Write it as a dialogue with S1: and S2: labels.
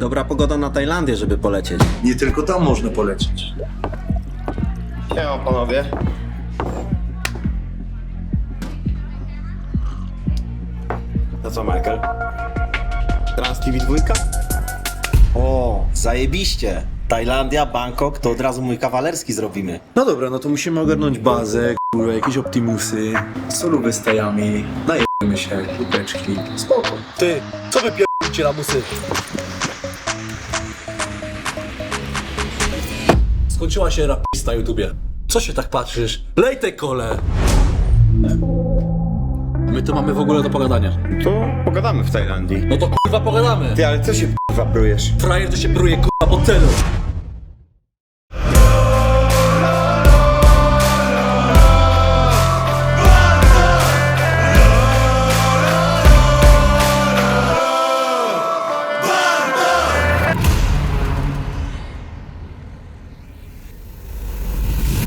S1: Dobra pogoda na Tajlandię, żeby polecieć.
S2: Nie tylko tam można polecieć.
S3: Siema panowie. To co, Michael? Trans TV 2?
S4: O, zajebiście. Tajlandia, Bangkok, to od razu mój kawalerski zrobimy.
S2: No dobra, no to musimy ogarnąć bazę, kurwa, jakieś Optimusy, solówy z tajami, najemy się, lupeczki, spoko.
S5: Ty, co wy pierdolicie lamusy? Skończyła się rapista na YouTubie. Co się tak patrzysz? Lej te kole! My tu mamy w ogóle do pogadania.
S3: To pogadamy w Tajlandii.
S5: No to kurwa pogadamy!
S3: Ty, ale co się kurwa prujesz?
S5: Frajer to się bruje kurwa po celu.